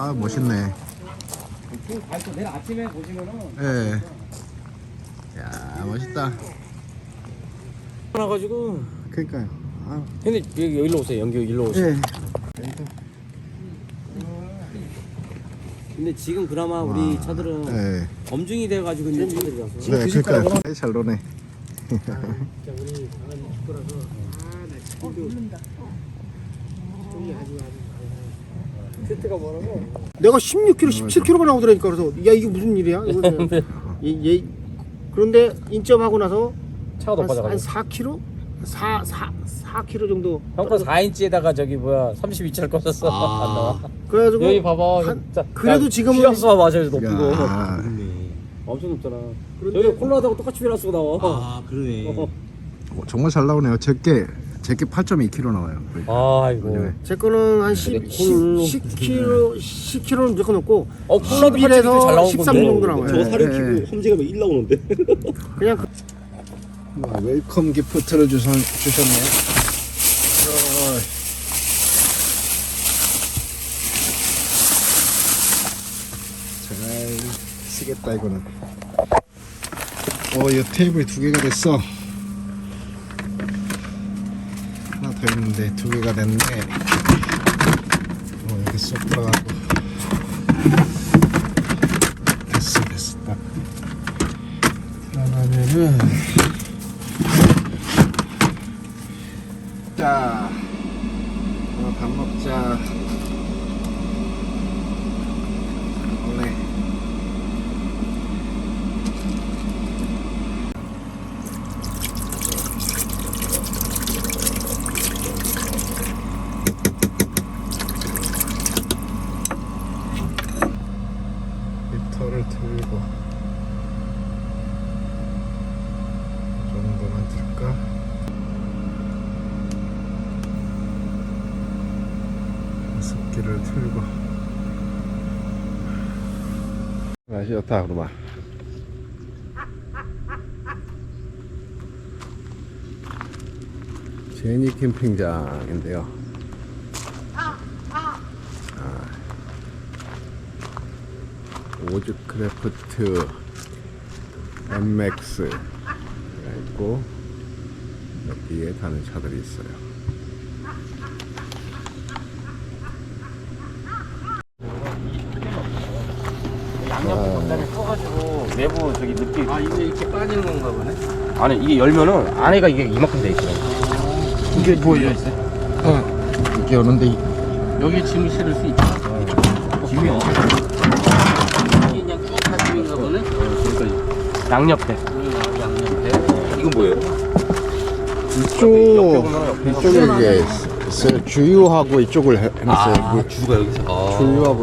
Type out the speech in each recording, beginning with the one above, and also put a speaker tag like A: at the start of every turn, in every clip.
A: 아 멋있네.
B: 내일 아침에 보시면은.
A: 예. 야 멋있다.
B: 나가지고.
A: 그러니까요. 아.
B: 근데 여기로 오세요. 연기 일로 오세요.
A: 예.
B: 근데 지금 그나마 우리 차들은
A: 예.
B: 검증이 돼가지고 있는 차들이라서.
A: 네, 그러니까 잘 노네.
B: 진짜 우리 강아지 축구라서. 나 죽는다. 세트가 뭐라고?
C: 내가 16kg, 17kg가 나오더라니까. 그래서 야 이게 무슨 일이야? 얘 그런데 인점하고 나서
B: 차가
C: 한
B: 높아져가지고.
C: 4kg? 4kg 정도.
B: 형거 4인치에다가 저기 뭐야 32차를 꽂았어. 안 나와.
C: 그래가지고
B: 여기 봐봐.
C: 한- 그래도 지금은
B: 휘라스 봐봐. 저기 높은 거.
A: 야.
B: 엄청 높잖아.
C: 그런데-
B: 저기 콜라하고 똑같이 휘라스가 나와.
D: 아 그러네.
A: 정말 잘 나오네요. 제게 8.2kg 나와요.
B: 아이고.
A: 네.
C: 제 거는 한
B: 되게
C: 10kg는 무조건 넘고
B: 콜라도
C: 11에서
B: 잘 나온
C: 13
B: 건데.
C: 정도 나와요.
D: 저 살을
A: 예, 예.
D: 키고 험지가 왜 1 나오는데?
C: 그냥
A: 웰컴 기프트를 주셨네. 잘 쓰겠다 이거는. 이 테이블이 2개가 됐어. 하나 더 있는데 2개가 됐네. 이렇게 쏙 들어가고. 됐어 딱. 들어가면은. 자, 밥 먹자. 오네. 히터를 틀고 이 정도만 틀까? 습기를 틀고 맛이 좋다 그러마. 제니 캠핑장인데요. 오즈크래프트 MX 있고 여기에 다른 차들이 있어요.
B: 양옆에 겉단에 커가지고 내부 저기 느끼.
D: 이게 이렇게 빠지는 건가 보네.
B: 아니 이게 열면은 안에가 이게 이만큼 돼 있어요.
A: 이게 뭐예요? 이게 오는데
D: 여기 짐을 실을 수 있다.
B: 짐이 없어.
D: 이게 그냥 쭉다 짐인가 보네.
B: 그러니까 양옆에.
D: 양옆에. 이건 뭐예요?
A: 이쪽에 이게 있어요. 주유하고 이쪽을 해놨어요.
D: 주가 여기서.
A: 주유하고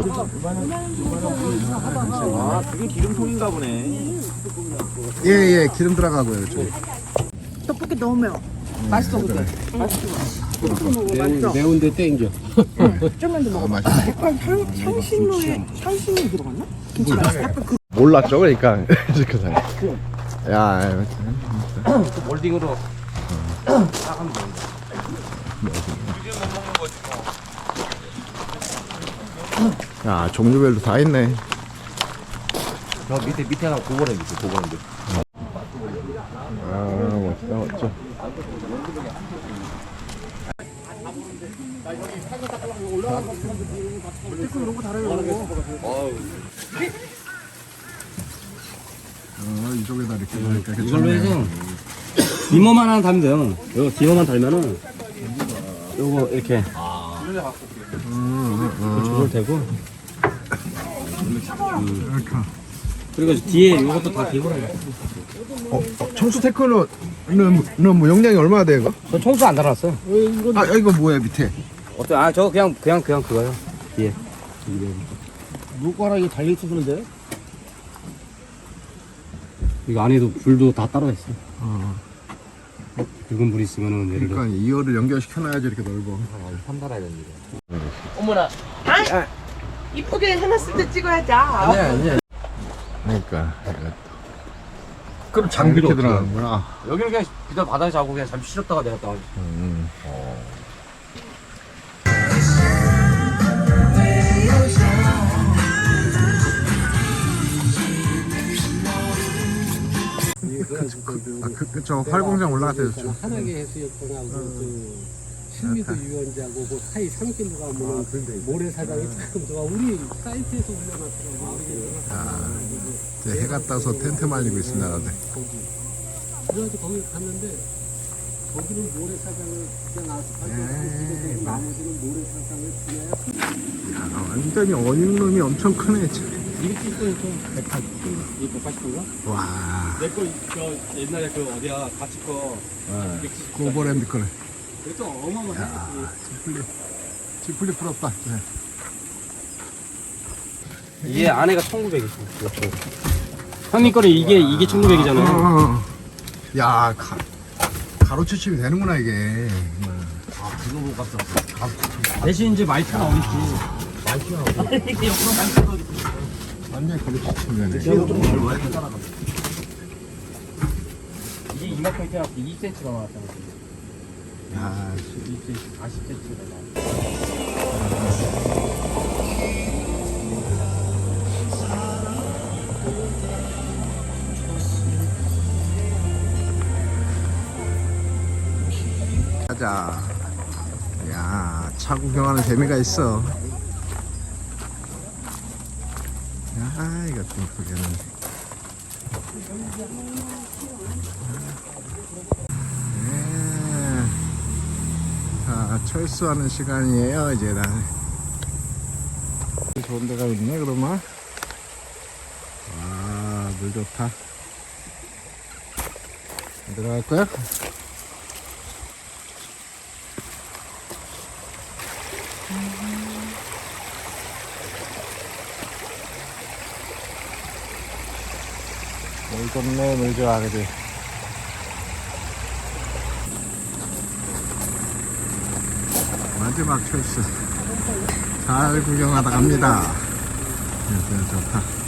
D: 그게 기름통인가 보네.
A: 예예 기름 들어가고요. 이쪽에.
C: 떡볶이 너무 매워. 맛있어 근데.
D: 매운데 땡겨.
C: 좀만 더 먹어.
A: 맛있네.
C: 약간 향신료 들어갔나? 김치 맛있어. 약간 그
A: 몰랐죠 그러니까 그 사람. 야
B: 몰딩으로 딱 하면 됩니다.
A: 야 종류별로 다 있네.
B: 저 밑에가 고거래 밑에 고거인데.
A: 아 멋있다 멋져. 이쪽에다 이렇게 놓으니까
B: 이걸로 해서 디머만 하나 달면 돼요. 이거 디머만 달면은 요거 이렇게 조절되고.
A: 이렇게.
B: 그리고 뒤에 이것도 다 디머라고.
A: 청수 테크는 뭐 용량이 얼마나 돼 이거?
B: 저 청소 안 달았어.
A: 아 이거 뭐야 밑에?
B: 어때? 아 저 그냥 그거요. 뒤에.
D: 물가락이 달려 있었는데.
B: 이거 안에도 불도 다 따로 있어. 붉은 불 있으면은 예를 들어.
A: 그러니까 이어를 연결시켜놔야지 이렇게 넓어.
B: 판 달아야 되는데.
E: 어머나. 이쁘게 해놨을 때 찍어야지.
A: 그러니까
B: 그럼
A: 장비로 이렇게 들어가는구나.
B: 여기는 그냥 그냥 바닥에 자고 그냥 잠시 쉬었다가 내렸다가.
A: 그쵸. 활공장 올라갔대요. 좀.
F: 한하계 해수욕장하고 그 신미도 유원지하고 그 사이 산길로 가면 모래사장이 참 좋아. 우리 사이트에서 올려놨더라고.
A: 이제 해가 떠서 텐트 말리고 있습니다. 다들.
F: 그래가지고 거기 갔는데 거기는 모래사장을 그냥 아스팔트 나머지는 모래사장을 그냥
A: 야, 완전히 어닝룸이 엄청 크네. 참.
B: 이거 찍고 좀 180인가?
A: 와.
B: 내거 저 옛날에 그 어디야 같이 거
A: 고버랜드 거네.
B: 그래도 어마어마해.
A: 지플리 부럽다. 네.
B: 이게 안에가 1900이지. 형님 거는 이게 1900이잖아요.
A: 야, 가로채침이 되는구나 이게.
D: 그거 못 갔어.
B: 대신 이제 마이크는 어딨지. 이게 옆으로 마이크가 어딨지.
A: 완전히 가로채침이 되네.
B: 이게 이만큼 해놨어. 2cm가 나왔잖아.
A: 야,
B: 2cm, 40cm가 나왔어.
A: 가자. 야, 차 구경하는 재미가 있어. 야, 이거 좀 크게는. 네. 자, 철수하는 시간이에요, 이제 나. 좋은 데가 있네, 그러면. 와, 물 좋다. 들어갈 거야? 물 좋네, 물 좋아, 그지? 마지막 철수. 잘 구경하다 갑니다. 좋다.